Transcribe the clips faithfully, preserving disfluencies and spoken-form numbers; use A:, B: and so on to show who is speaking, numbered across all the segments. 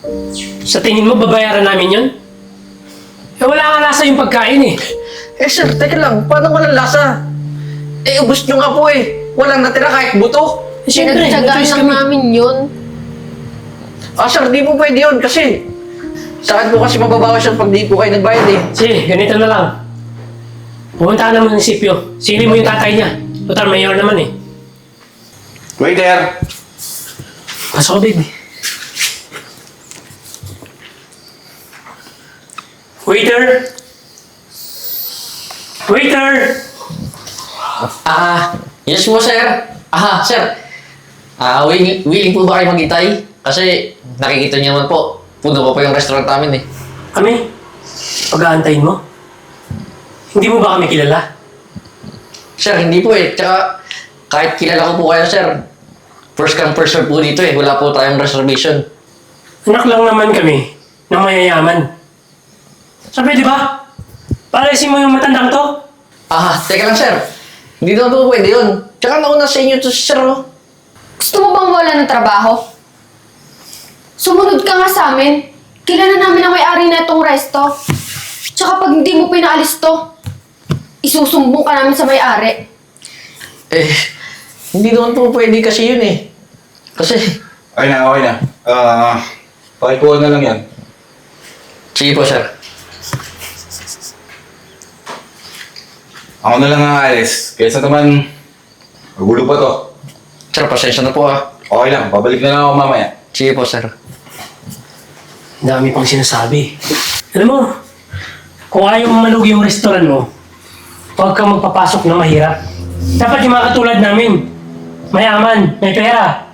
A: Sa tingin mo, babayaran namin yun? Eh, wala nga lasa yung pagkain eh.
B: Eh sir, teka lang, paano walang lasa? Eh, ubus nyo nga po eh. Walang natira kahit buto.
A: Eh, siyempre,
C: Pinagtsagaan
A: choice
C: lang
A: kami.
C: namin yun.
B: Ah sir, di po pwede yun kasi sa akin po kasi mababawas yan pag di po kayo nagbayad eh.
A: Sige, ganito na lang. Pumunta ka na munisipyo. Sili mo yung tatay niya. Total, mayor naman eh.
D: Waiter!
A: Pasok ka, baby. Waiter! Waiter!
E: Ah, yes po, sir. Ah, sir. Ah, willing, willing po ba kayo maghintay? Kasi nakikita niyo naman po, puno pa po yung restaurant namin eh.
A: Kami? Pag-aantayin mo? Hindi mo ba kami kilala?
E: Sir, hindi po eh. Tsaka, kahit kilala ko po kayo, sir. First come, first serve po dito eh. Wala po tayong reservation.
A: Anak lang naman kami ng mayayaman. Sabi, di ba? Paresin mo yung matandang to?
E: Ah, teka lang, sir. Hindi naman po pwede yun. Tsaka nauna sa inyo to, sir. Oh.
C: Gusto mo bang wala ng trabaho? Sumunod ka nga sa amin. Kilala namin ang may-ari na itong resto. Tsaka pag hindi mo pinaalis to, isusumbong ka namin sa may-ari.
E: Eh, hindi naman po pwede kasi yun eh. Kasi,
D: Okay na, okay na. Ah, pakikuha na lang yan.
E: sige po, sir.
D: Ako na lang ang aalis. Kaysa naman, magulo pa to.
E: Sir, pasensya na po ah.
D: Okay lang, babalik na lang ako mamaya.
E: Sige po, sir.
A: Ang dami pang sinasabi. Alam mo, kung ayaw mo malugi yung restaurant mo, huwag kang magpapasok na mahirap. Dapat yung mga katulad namin. Mayaman, may pera.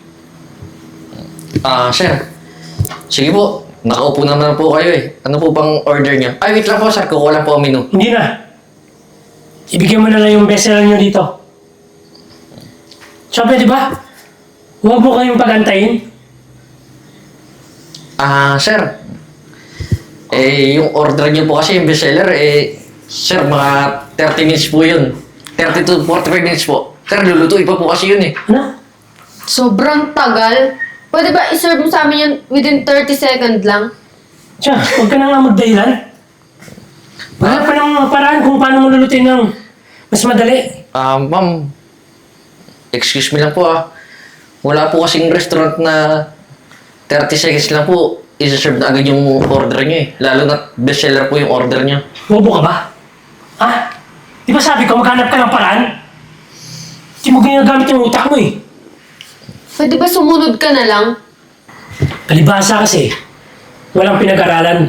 E: Ah, sir. Sige po. Nakaupo naman po kayo eh. Ano po bang order niyo? Ay, wait lang po, sir. Kukuha lang po ang menu.
A: Hindi na. Ibigyan mo na lang yung bestseller nyo dito. Siyempre, di ba? Huwag mo kayong pagantayin.
E: Ah, sir. Eh, yung order niyo po kasi yung bestseller, eh, sir, mga thirty minutes po yun. thirty to forty-five minutes po. Sir, lulutuin pa po kasi yun eh.
A: Ano?
C: Sobrang tagal. Pwede ba iserve mo sa amin yun within thirty seconds lang?
A: Tiyan, huwag ka na nga magdahilan. Wala pa ng paraan kung paano mo lulutin ng mas madali.
E: Ah, ma'am. Excuse me lang po ah. Wala po kasing restaurant na thirty seconds lang po. Isa-serve na agad yung order niyo eh. Lalo na bestseller po yung order niyo.
A: Bobo ka ba? Ha? Di ba sabi ko maghanap ka ng paraan? Di mo ginagamit yung utak mo eh.
C: Pwede ba sumunod ka na lang?
A: Palibhasa kasi, walang pinag-aralan.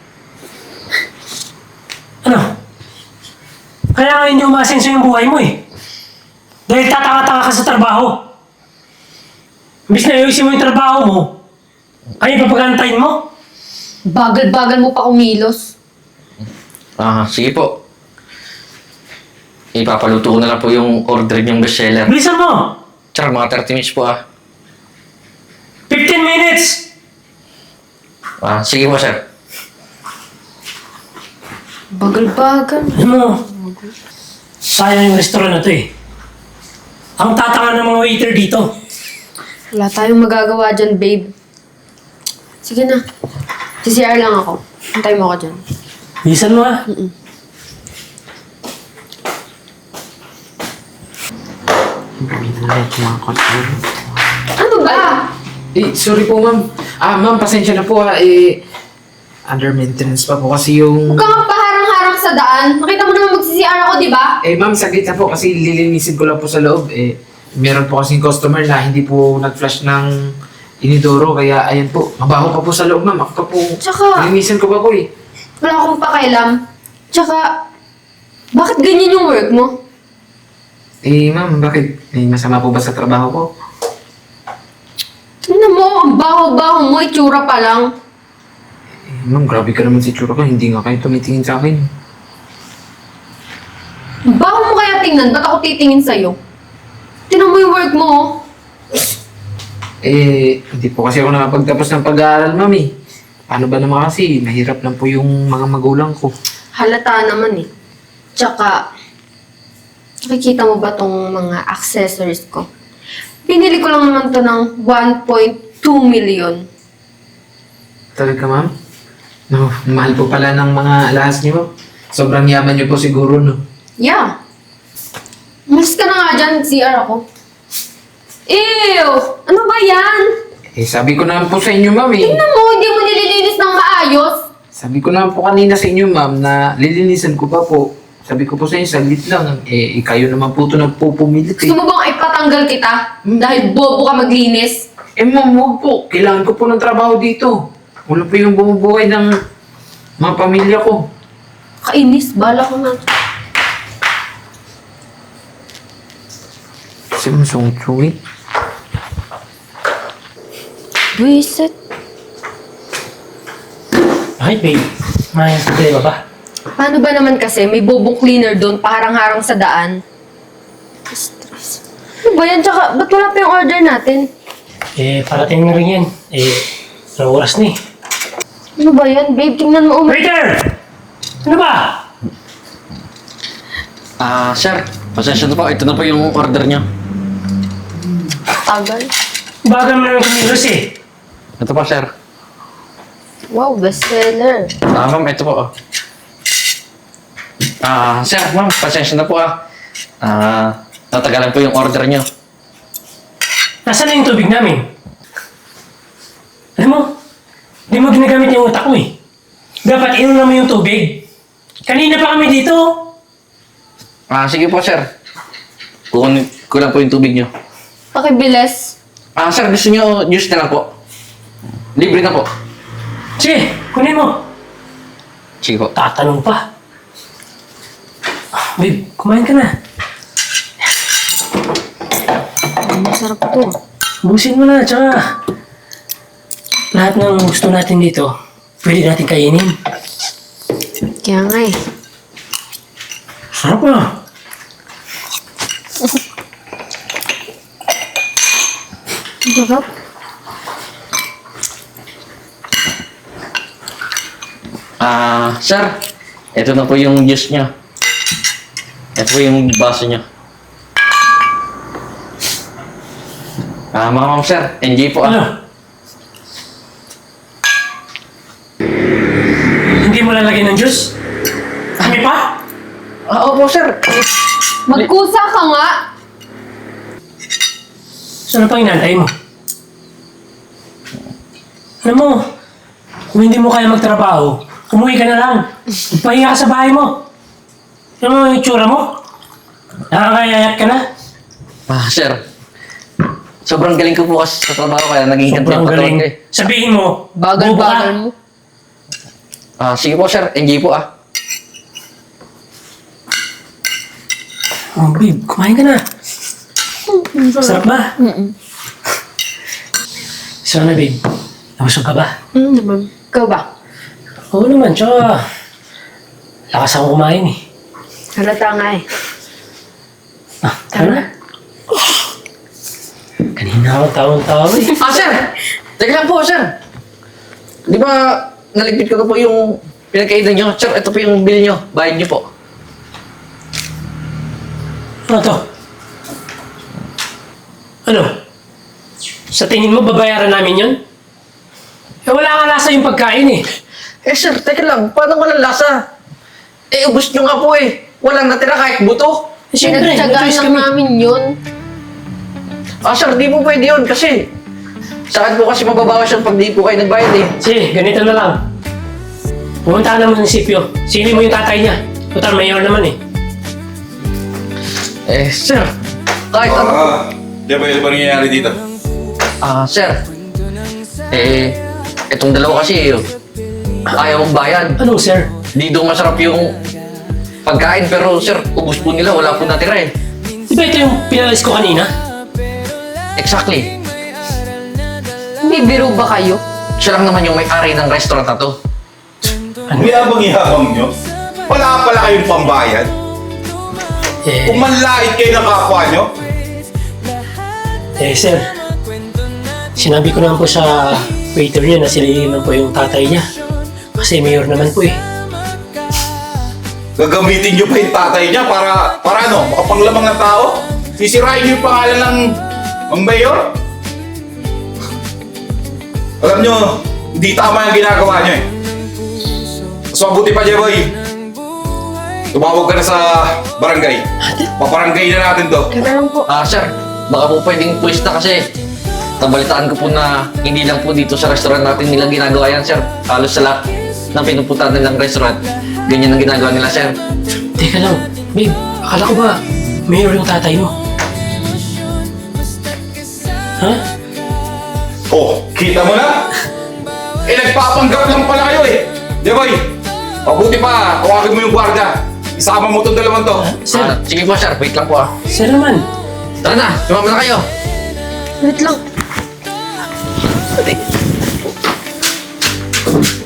A: Ano? Kaya nga hindi umasenso yung buhay mo eh. Dahil tataka-taka ka sa trabaho. Imbis na ayusin mo yung trabaho mo, ay papagantayin mo.
C: Bagal-bagal mo pa kumilos.
E: Ah, sige po. Ipapaluto ko na lang po yung order niyong bestseller.
A: Bilisan mo!
E: Tsaka mga thirty minutes po ah.
A: fifteen minutes!
E: Ah, sige po sir.
C: Bagal-bagal.
A: Alam mo, sayang yung restaurant na to eh. Ang tatanga ng mga waiter dito.
C: Wala tayong magagawa dyan, babe. Sige na. C C R lang ako. Hintay mo ako dyan.
A: Bilisan mo ah.
C: Ano ba?
F: Eh, sorry po, ma'am. Ah, ma'am, pasensya na po ha. Eh, under maintenance pa po kasi yung...
C: Huwag kang paharang-harang sa daan. Nakita mo naman mag-C C R ako, di ba?
F: Eh, ma'am, saglit na po kasi lilinisin ko lang po sa loob. Eh, meron po kasing customer na hindi po nag-flash ng inidoro. Kaya, ayan po, mabaho pa po sa loob, ma'am. Ako pa po,
C: Tsaka-
F: lilinisin ko pa po eh.
C: Wala akong pakailam. Tsaka, bakit ganyan yung work mo?
F: Eh, ma'am, bakit? May masama po ba sa trabaho ko?
C: Tingnan mo, ang baho-baho mo, itsura pa lang.
F: Eh, ma'am, grabe ka naman si Tsura ko. Hindi nga kayo tumitingin sa akin.
C: Ang baho mo kaya tingnan, ba't ako titingin sa'yo? Tingnan mo yung work mo, oh.
F: Eh, hindi po kasi ako nakapagtapos ng pag-aaral, ma'am eh. Paano ba naman kasi? Mahirap lang po yung mga magulang ko.
C: Halata naman eh. Tsaka, nakikita mo ba tong mga accessories ko? Pinili ko lang naman to ng one point two million.
F: Talaga, ma'am? No, mahal po pala ng mga alahas niyo, ma'am. Sobrang yaman niyo po siguro, no?
C: Yeah. Umalis ka na nga dyan, C R ako. Ew! Ano ba yan?
F: Eh, sabi ko naman po sa inyo, ma'am, eh.
C: Tingnan mo, hindi mo nililinis ng maayos.
F: Sabi ko naman po kanina sa inyo, ma'am, na lilinisan ko pa po. Sabi ko po sa inyo, saglit lang. Eh, eh, kayo naman po ito nagpupumilit, eh.
C: Gusto mo bang ipatanggal kita? Dahil bobo ka maglinis?
F: Eh, ma'am, huwag po. Kailangan ko po ng trabaho dito. Wala po yung bumubuhay ng mga pamilya ko.
C: Kainis, bala ko na.
F: Simusungsuwi.
C: Buisit.
A: Bakit, babe? May problema ba?
C: Paano ba naman kasi may bobong cleaner doon paharang-harang sa daan? Stress. Ano ba yan? Tsaka, ba't wala pa yung order natin?
A: Eh, parating na rin yan. Eh, anong oras na eh.
C: Ano ba yan, babe? Tingnan mo. Um-
A: Waiter! Ano ba?
E: Ah, sir, pasensya na po. Ito na po yung order niyo.
C: Tagal.
A: Bagal mo naman kumilos eh.
E: Ito po, sir.
C: Wow, bestseller.
E: Ah, ma'am, ito po. oh. Ah, sir, ma'am, pasensya na po ah. Ah, natagalan po yung order niyo.
A: Nasaan na yung tubig namin? Alam mo, di mo ginagamit yung utak mo eh. Dapat inunan mo yung tubig. Kanina pa kami dito.
E: Ah, sige po, sir. Kukunin ko lang po yung tubig niyo.
C: Pakibilis.
E: Ah, sir, gusto niyo juice na lang po. Libre na po.
A: Sige, kunin mo.
E: Sige po.
A: Tatanong pa. Ah, babe, kumain ka na.
C: Masarap to.
A: Busin mo na, tsaka lahat ng gusto natin dito, pwede natin kainin.
C: Kaya nga eh.
A: Sarap na.
C: Sarap.
E: Ah, sir, ito na po yung juice niyo. Ito po yung baso niyo. Ah, mga ma'am, sir, enjoy po ah.
A: Ano? Hindi mo lalagyan ng juice? Kami pa?
E: Ah, opo, sir.
C: Magkusa ka nga.
A: So ano pang inantay mo? Alam mo, kung hindi mo kaya magtrabaho, umuwi ka na lang. Magpahinga ka sa bahay mo. Alam mo yung itsura mo? Nakakayayat ka na.
E: Ah, sir. Sobrang galing ko po kasi sa trabaho kaya naging ganti
A: Sobrang
E: ang katawan
A: galing.
E: ko eh.
A: Sabihin mo, bobo ka.
C: Bagal-bagal mo.
E: Ah, sige po, sir. Enjoy po ah.
A: Oh, babe, kumain ka na. Sarap ba? So na, babe. Nabusog ka ba?
C: Mm, naman. Ikaw ba?
A: Oo naman, tsaka lakas ako kumain eh.
C: Halata nga eh.
A: Ah, tara na. Kanina ako tawang-tawa eh.
E: Ah, sir! Teka lang po, sir. Di ba naligpit ko na po yung pinagkainan nyo? Sir, ito po yung bill nyo. Bayad nyo po.
A: Ano to? Ano? Sa tingin mo, babayaran namin yun? Eh, wala nga lasa yung pagkain eh.
E: Eh, sir, teka lang. Paano walang lasa? Eh, ubus nyo nga po eh. Walang natira kahit buto.
A: Eh, siyempre, may
C: Pinagtsagaan
A: choice
C: lang
A: kami.
C: namin yun.
E: Ah, sir, di po pwede yun kasi saan po kasi mababawas yun pag di po kayo nagbayad eh.
A: Sige, ganito na lang. Pumunta ka naman ng sipyo. Sino mo yung tatay niya? Total, mayor naman eh.
E: Eh, sir, kahit ano.
D: Ah, di ba yun ba nangyayari dito?
E: Ah, sir. Eh, itong dalawa kasi eh, ayaw mong bayad.
A: Anong sir?
E: Di daw masarap yung pagkain pero sir, ubus po nila. Wala po natira eh.
A: Di ba ito yung pinalis ko kanina?
E: Exactly.
C: May biro ba kayo?
E: Siya lang naman yung may-ari ng restaurant na to.
D: Ang yabang-yabang nyo. Wala pala kayong pambayad.
A: Eh,
D: Kung manlait kayo ng kapwa nyo.
A: eh sir. Sinabi ko naman po sa waiter niya na sila naman po yung tatay niya. Kasi mayor naman po eh.
D: Gagamitin nyo pa yung tatay niya para, para ano, makapanglamang ng tao? Sisirain nyo yung pangalan ng, ng mayor? Alam nyo, Hindi tama yung ginagawa niyo eh. Mas mabuti pa, Jeboy. Tumawag ka na sa barangay. Paparangay na natin to.
E: Ah, sir, baka po pwedeng puwis na kasi nabalitaan ko po na hindi lang po dito sa restaurant natin nila ginagawa yan, sir. Halos sa lahat ng pinupuntahan nilang restaurant, ganyan ang ginagawa nila, sir.
A: Teka lang, babe, akala ko ba mayor yung tatay mo? Ha?
D: Oh, kita mo na? Eh, nagpapanggap lang pala kayo eh. Jeboy, mabuti pa, tawagin mo yung gwardiya. Isama mo itong dalawang to.
A: Sir,
E: Ah, sige po, sir. Wait lang po, ah.
A: sir naman.
E: Tara na, sumama na kayo.
C: Wait lang.